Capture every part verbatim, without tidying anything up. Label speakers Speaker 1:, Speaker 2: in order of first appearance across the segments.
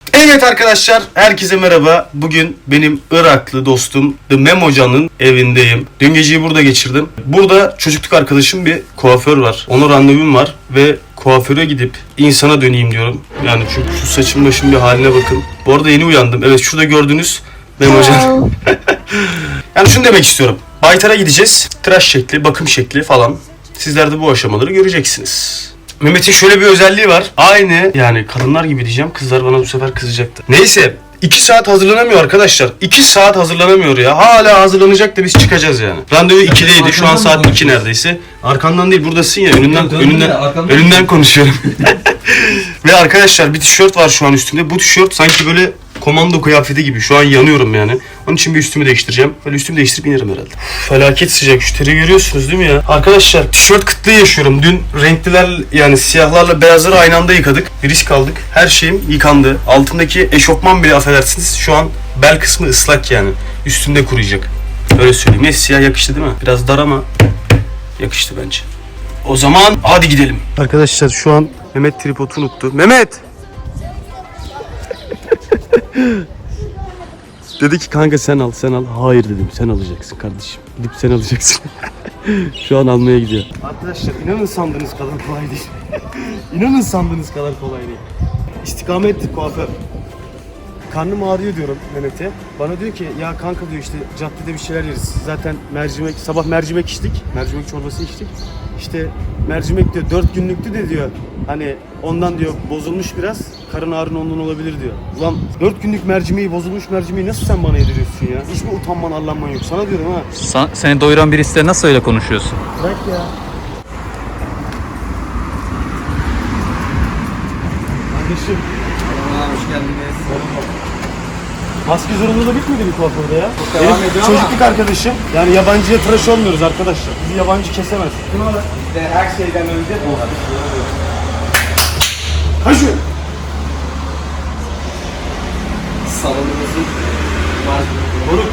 Speaker 1: Evet arkadaşlar, herkese merhaba. Bugün benim Iraklı dostum The Memocan'ın evindeyim. Dün geceyi burada geçirdim. Burada çocukluk arkadaşım bir kuaför var. Ona randevum var ve kuaföre gidip insana döneyim diyorum. Yani çünkü şu saçım başım bir haline bakın. Bu arada yeni uyandım. Evet, şurada gördüğünüz Memocan. Yani şunu demek istiyorum. Baytar'a gideceğiz. Tıraş şekli, bakım şekli falan. Sizler de bu aşamaları göreceksiniz. Mehmet'in şöyle bir özelliği var. Aynı yani kadınlar gibi diyeceğim. Kızlar bana bu sefer kızacaktı. Neyse. iki saat hazırlanamıyor arkadaşlar. iki saat hazırlanamıyor ya. Hala hazırlanacak da biz çıkacağız yani. Randevu ikideydi. Şu an saat iki neredeyse. Arkandan değil, buradasın ya. Önünden
Speaker 2: Döndüm
Speaker 1: önünden
Speaker 2: ya, arkamdan
Speaker 1: önünden konuşuyorum. Ve arkadaşlar bir tişört var şu an üstümde. Bu tişört sanki böyle komando kıyafeti gibi. Şu an yanıyorum yani. Onun için bir üstümü değiştireceğim. Böyle üstümü değiştirip inerim herhalde. Uf, felaket sıcak. Şu teri görüyorsunuz değil mi ya? Arkadaşlar tişört kıtlığı yaşıyorum. Dün renkliler yani siyahlarla beyazları aynı anda yıkadık. Bir risk aldık. Her şeyim yıkandı. Altındaki eşofman bile affedersiniz. Şu an bel kısmı ıslak yani. Üstünde kuruyacak. Öyle söyleyeyim. Neyse siyah yakıştı değil mi? Biraz dar ama yakıştı bence. O zaman hadi gidelim. Arkadaşlar şu an Mehmet tripodu unuttu. Mehmet! Dedi ki kanka sen al sen al. Hayır dedim, sen alacaksın kardeşim. Gidip sen alacaksın. Şu an almaya gidiyor. Arkadaşlar inanın sandığınız kadar kolay değil. İnanın sandığınız kadar kolay değil. İstikamet kuaför. Karnım ağrıyor diyorum Mehmet'e. Bana diyor ki ya kanka diyor işte caddede bir şeyler yeriz. Zaten mercimek, sabah mercimek içtik. Mercimek çorbası içtik. İşte mercimek diyor dört günlüktü de diyor. Hani ondan diyor bozulmuş biraz. Karın ağrın ondan olabilir diyor. Ulan dört günlük mercimeği, bozulmuş mercimeği nasıl sen bana yediriyorsun ya? Hiç mi utanman arlanman yok? Sana diyorum ha.
Speaker 2: Sa- seni doyuran birisiyle nasıl öyle konuşuyorsun?
Speaker 1: Bırak ya. Kardeşim.
Speaker 3: Hoş geldiniz.
Speaker 1: Maske zorunluluğu bitmedi mi kuaförde ya?
Speaker 3: Devam
Speaker 1: Benim
Speaker 3: ediyor
Speaker 1: çocukluk
Speaker 3: ama.
Speaker 1: arkadaşım. Yani yabancıya tıraş olmuyoruz arkadaşlar. Bizi yabancı kesemez.
Speaker 3: İşte her şeyden önce bu.
Speaker 1: Ha şu.
Speaker 3: Salonumuzun
Speaker 1: Moruk.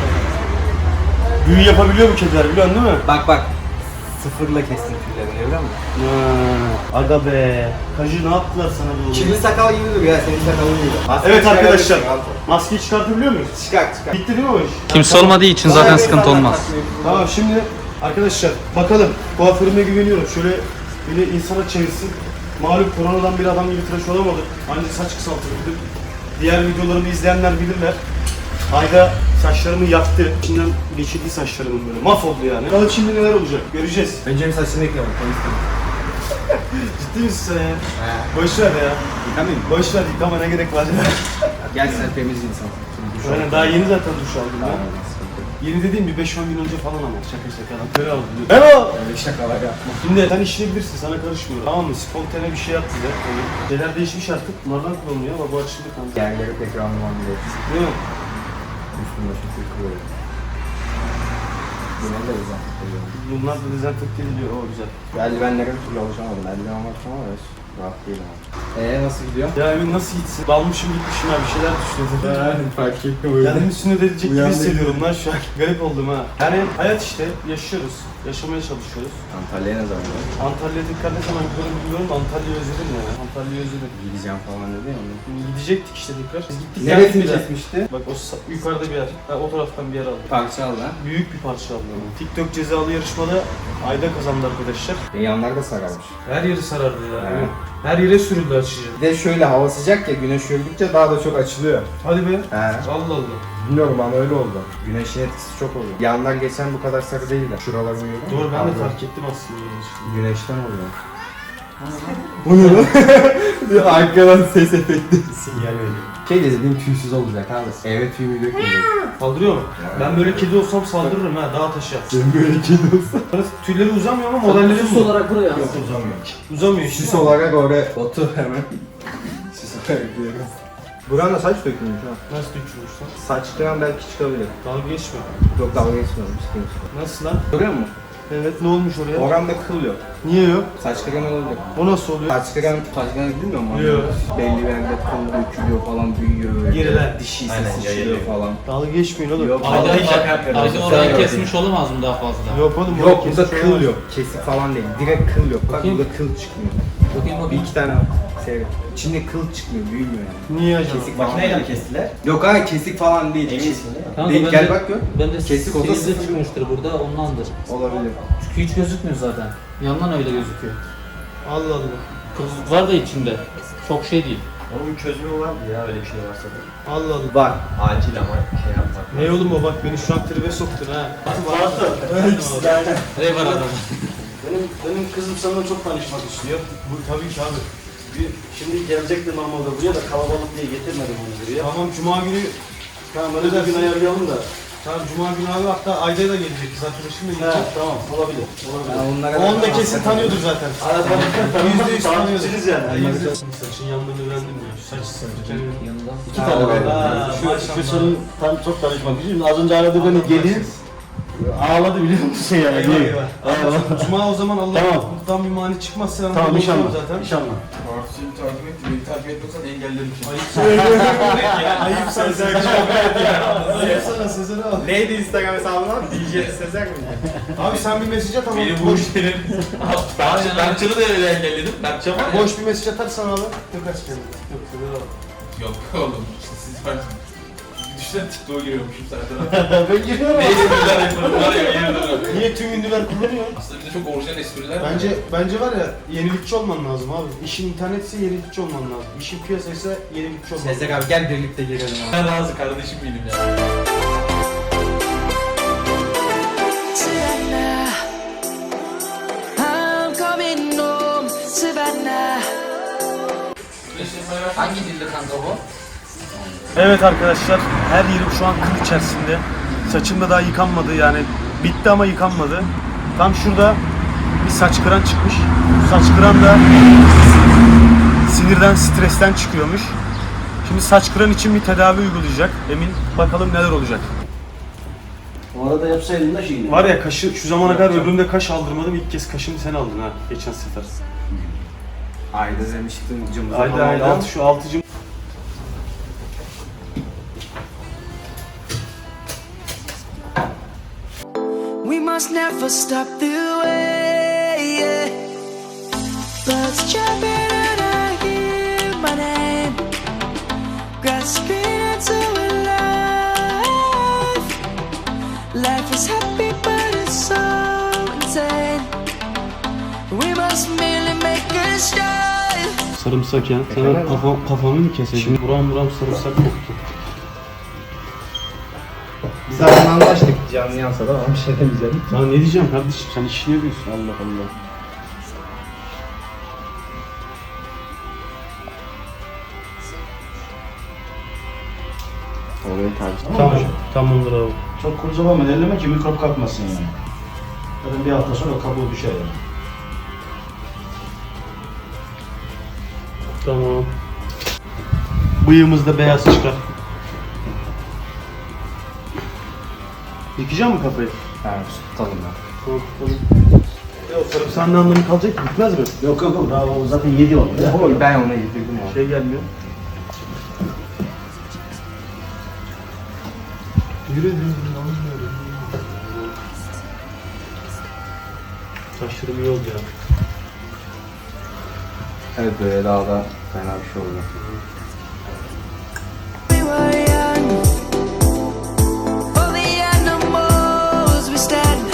Speaker 1: Büyü yapabiliyor bu kediler biliyorsun değil mi?
Speaker 3: Bak bak. Sıfırla kestim tüylerini görüyor musun?
Speaker 1: Ha, aga be. Kajı ne yaptılar sana bu?
Speaker 3: Kimin sakal gibi duruyor ya, senin sakalın gibi. Maskeyi
Speaker 1: Evet arkadaşlar.
Speaker 3: çıkarabilirsin,
Speaker 1: Maskeyi çıkartabiliyor muyuz?
Speaker 3: Çıkar çıkar.
Speaker 1: Bitti değil mi o iş?
Speaker 2: Kimse olmadığı için zaten sıkıntı olmaz.
Speaker 1: Tamam şimdi arkadaşlar bakalım. Kuaförüme güveniyorum. Şöyle beni insana çevirsin. Malum koronadan bir adam gibi tıraş olamadım. Ancak saç kısaltırdım. Diğer videolarımı izleyenler bilirler. Ayda saçlarımı yaktı. İçinden geçirdi saçlarımın böyle. Mahvoldu yani. Bakalım şimdi neler olacak. Göreceğiz.
Speaker 3: Önce bir saçını yıkayalım.
Speaker 1: Ciddi misin sen ya? Boş ver ya.
Speaker 3: Yıkamayayım mı?
Speaker 1: Boş ver yıkama ne gerek var.
Speaker 3: Gel sen temiz insan.
Speaker 1: Aynen daha yeni zaten duş aldım ya. Yeni dediğim bir beş on gün önce falan ama şaka şaka. Böyle aldım. Merhaba.
Speaker 3: Öyle şakalar yapma.
Speaker 1: Şimdi sen işleyebilirsin, sana karışmıyorum. Tamam mı? Spontane bir şey yap bize. Öyle. Şeyler değişmiş artık. Bunlardan kullanılıyor ama bu açıldı kanka.
Speaker 3: Yerleri pek randıman değil.
Speaker 1: Değil mi?
Speaker 3: Üstüne başını kırıyor. Bunları da güzel.
Speaker 1: Bunlar da dezenfekte ediliyor. O güzel.
Speaker 3: Eldivenlere bir türlü alışamadım. Eldiven var ama evet. Rahat değil ama. Eee nasıl gidiyor?
Speaker 1: Ya Emin nasıl gitsin? Dalmışım gitmişim ya bir şeyler düşünüyorum.
Speaker 3: Fark ettim
Speaker 1: Kendimi sünnet edilecek gibi
Speaker 3: Uyandım.
Speaker 1: hissediyorum lan şu an. Garip oldum ha. Yani hayat işte. Yaşıyoruz. Yaşamaya çalışıyoruz.
Speaker 3: Antalya'ya ne zaman gidiyorsun?
Speaker 1: Antalya'ya dikkat ne zaman gidiyorum bilmiyorum da Antalya'yı özledim ya. Antalya'yı özledim.
Speaker 3: Gideceğim falan dedi ya.
Speaker 1: Gidecektik işte tekrar. Biz gittik
Speaker 3: Neresini
Speaker 1: bir yer.
Speaker 3: kesmişti?
Speaker 1: Bak o sa- yukarıda bir yer. Ha, o taraftan bir yer aldım.
Speaker 3: Parça al lan.
Speaker 1: Büyük bir parça aldım. TikTok cezalı yarışmada Ayda kazandı arkadaşlar.
Speaker 3: E, yanlar da sararmış.
Speaker 1: Her yeri sarardı ya.
Speaker 3: Evet.
Speaker 1: Her yere sürüldü açıcı.
Speaker 3: Bir de şöyle hava sıcak ya, güneş gördükçe daha da çok açılıyor.
Speaker 1: Hadi be.
Speaker 3: He.
Speaker 1: Allah Allah.
Speaker 3: Bilmiyorum ama öyle oldu. Güneşin etkisi çok oluyor. Yanlar geçen bu kadar sarı değil de. Şuralarını görüyor musun?
Speaker 1: Doğru ben de
Speaker 3: Abi,
Speaker 1: fark ettim aslında.
Speaker 3: Güneşten oluyor. Bu ne lan? Arkadan ses efekti.
Speaker 1: Sinyal veriyor.
Speaker 3: Şey dediğim tüysüz olacak abi. Eve tüyümü dökmeyecek.
Speaker 1: Saldırıyor mu? Ben böyle kedi olsam saldırırım ha dağa taşa.
Speaker 3: Sen böyle kedi olsan.
Speaker 1: Tüyleri uzamıyor ama modelleri
Speaker 4: Süs
Speaker 1: mi?
Speaker 4: olarak buraya
Speaker 3: Yok uzamıyor.
Speaker 1: Uzamıyor.
Speaker 3: Süs olarak oraya otur hemen. Süs olarak diyorum. Buranın saç dökülmüş ha.
Speaker 1: Nasıl dökülürsen?
Speaker 3: Saçtan belki çıkabilir.
Speaker 1: Dalga geçme.
Speaker 3: Yok dalga geçmiyorum. Sıkıntı yok.
Speaker 1: Nasıl lan?
Speaker 3: Görüyor musun?
Speaker 1: Evet ne olmuş oraya?
Speaker 3: Oranda kıl yok.
Speaker 1: Niye yok?
Speaker 3: Saç krem olabilir.
Speaker 1: O nasıl oluyor?
Speaker 3: Saç krem, saç krem bilmiyor musun?
Speaker 1: Yok.
Speaker 3: Belli bir yerde kıl dökülüyor falan, büyüyor böyle.
Speaker 1: Geriler.
Speaker 3: Dişi
Speaker 2: Aynen,
Speaker 3: sıçrıyor
Speaker 2: yayılıyor.
Speaker 3: falan.
Speaker 1: Dalga geçmeyin oğlum.
Speaker 3: Yok.
Speaker 1: Ayda-
Speaker 3: Vallahi şaka yapıyorum.
Speaker 2: Ayrıca orayı kesmiş olamaz mı daha fazla?
Speaker 1: Yok oğlum.
Speaker 3: Yok
Speaker 1: oraya
Speaker 3: burada
Speaker 1: kesmiş
Speaker 3: kıl
Speaker 1: olamaz.
Speaker 3: yok. Kesik falan değil. Direkt kıl yok. Bak
Speaker 2: Bakayım.
Speaker 3: burada kıl çıkmıyor.
Speaker 2: Bakayım
Speaker 3: Bir
Speaker 2: bakayım.
Speaker 3: iki tane Şey, içinde kıl çıkmıyor, büyümüyor yani.
Speaker 1: Niye acaba?
Speaker 3: Kesik falan.
Speaker 4: Makineyle mi kestiler?
Speaker 3: Yok abi kesik falan değil.
Speaker 4: Eminsin değil mi?
Speaker 2: Kanka
Speaker 3: Değil,
Speaker 2: ben
Speaker 3: gel
Speaker 2: de-
Speaker 3: bak gör.
Speaker 2: Ben de
Speaker 3: Kesik olsa
Speaker 2: sizde
Speaker 3: sıfır.
Speaker 2: çıkmıştır burada ondandır.
Speaker 3: Olabilir.
Speaker 2: Çünkü hiç gözükmüyor zaten. Yandan öyle gözüküyor.
Speaker 1: Allah Allah.
Speaker 2: Kızlık var da içinde. Çok şey değil.
Speaker 4: Onun bir çözümü var mı ya öyle bir şey varsa da?
Speaker 1: Allah Allah.
Speaker 3: Var.
Speaker 4: Acil ama şey yapmak.
Speaker 1: Ne oğlum o bak beni şu an tribe soktun ha.
Speaker 2: Ne var adamın?
Speaker 1: Benim, benim kızım sana çok tanışmak istiyor. Bu tabii ki abi. Bir, şimdi gelecekti normalde buraya da kalabalık diye getirmedim onu buraya.
Speaker 5: Tamam cuma günü
Speaker 1: Tamam öyle bir gün ayarlayalım da.
Speaker 5: tamam cuma günü abi hatta Ayda da gelecek kız arkadaşım da
Speaker 1: He
Speaker 5: gelecek.
Speaker 1: tamam olabilir. Olabilir.
Speaker 3: Yani onlara
Speaker 5: Onu da kesin tanıyordur zaten. Yüzde yüz tanıyordur.
Speaker 1: Tanıyorsunuz yani.
Speaker 5: Saçın yanlarını öğrendim ya. Şu saç sarı.
Speaker 2: Yanında.
Speaker 1: İki tane var.
Speaker 5: Ha,
Speaker 1: Şu,
Speaker 5: maşallah.
Speaker 1: şu senin tam çok tanışmak için. Az önce aradı beni gelin. Ağladı biliyor musun yani?
Speaker 5: Eyvah
Speaker 1: Niye?
Speaker 5: eyvah.
Speaker 1: Eyvah.
Speaker 5: Cuma o zaman Allah
Speaker 1: Tamam.
Speaker 5: mutluluktan bir mani çıkmazsa ben
Speaker 1: Tamam
Speaker 5: burada
Speaker 1: inşallah.
Speaker 5: olurum zaten.
Speaker 1: İnşallah.
Speaker 3: Seni takip etti, beni takip etmesen engellerim seni.
Speaker 5: Ayıp sen Sezer. Ayıp sana Sezer abi.
Speaker 3: Neydi Instagram hesabın abi? D J Sezer mi?
Speaker 5: Abi sen bir mesaj at ama
Speaker 4: Benim bu
Speaker 5: boş,
Speaker 4: işlerin... Berkçan'ı da öyle engelledim. Berkçan var ya.
Speaker 5: boş bir mesaj atarsan abi. Tekrar kendini. Yok Sezer abi.
Speaker 6: Yok oğlum, işte siz var. Düşünsene TikTok'a giriyormuşum zaten.
Speaker 1: Ben giriyorum.
Speaker 6: Ne espriler yapıyorum var ya, yemin ederim.
Speaker 1: Niye tüm ünlüler kullanıyor?
Speaker 6: Aslında bir de çok orijinal espriler var.
Speaker 5: Bence bence var ya yenilikçi olman lazım abi. İşin internetse yenilikçi olman lazım. İşin piyasaysa yenilikçi olman lazım.
Speaker 3: Sezer abi gel birlikte girelim abi.
Speaker 6: Ben razı kardeşim benim ya.
Speaker 7: Savannah, I'm coming home, Savannah.
Speaker 2: Hangi dilde kanka bu?
Speaker 5: Evet arkadaşlar, her yerim şu an kıl içerisinde. Saçım da daha yıkanmadı yani bitti ama yıkanmadı. Tam şurada bir saç kıran çıkmış. Bu saç kıran da sinirden, stresten çıkıyormuş. Şimdi saç kıran için bir tedavi uygulayacak. Emin bakalım neler olacak.
Speaker 1: O arada yapsaydın da şeyini.
Speaker 5: Var ya kaşı şu zamana kadar ömrümde kaş aldırmadım. İlk kez kaşını sen aldın ha geçen sefer.
Speaker 3: Ayda demiştin cımbıza
Speaker 5: Ayda
Speaker 3: falan
Speaker 5: ayda
Speaker 3: oldu.
Speaker 5: şu altıcım.
Speaker 7: We must never stop the way. Yeah. Birds jumping and I hear my name, grasping into life. Life is happy but it's so insane. We must merely make a start.
Speaker 5: Sarımsak ya. Sana kafa, kafamı mı keseceğim? Şimdi buram buram sarımsak koktu.
Speaker 3: Biz zaten anlaştık canlı yansa da ama bir şey demeyeceğim.
Speaker 5: Ya ne diyeceğim kardeşim sen işini yapıyorsun Allah Allah.
Speaker 3: Orayı tabii.
Speaker 5: Tamam. Tamamdır abi.
Speaker 8: Çok kurcalama, elleme ki mikrop kalkmasın yani. Zaten bir hafta sonra kabuğu düşer yani.
Speaker 5: Tamam. Bıyığımız da beyaz çıkar. Yıkayacak mı kafayı?
Speaker 3: Ha, tutalım ya.
Speaker 5: Tamam, tamam. Ya sarımsağın ne anlamı kalacak ki? Gitmez mi?
Speaker 8: Yok yok yok, daha o zaten yedi oldu. Ya.
Speaker 3: Oy, ben ona yedirdim abi.
Speaker 5: Şey gelmiyor. Yürü yürü yürü. Saçlarım iyi oldu ya.
Speaker 3: Evet böyle daha da fena bir şey oldu.
Speaker 7: We were young, for the animals we stand.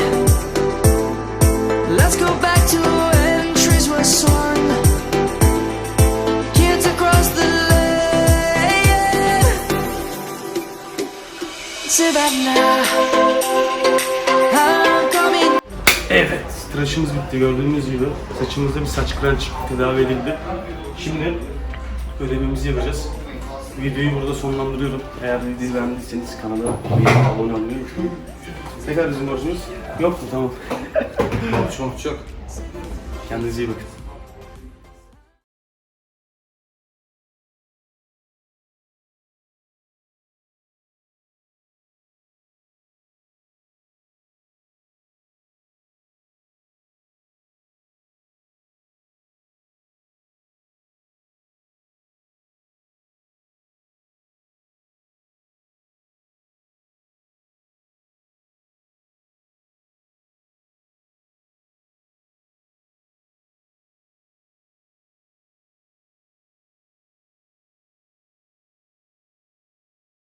Speaker 7: Let's go back to when trees were swung, kids across the lane. Savannah, I'm coming.
Speaker 5: Evet, tıraşımız bitti gördüğünüz gibi. Saçımızda bir saç kıran çıktı, tedavi edildi. Şimdi ödevimizi yapacağız. Videoyu burada sonlandırıyorum. Eğer videoyu beğendiyseniz kanala abone olmayı unutmayın. Tekrar bizim borcunuz yok mu? Tamam.
Speaker 3: Çok çok.
Speaker 5: Kendinize iyi bakın.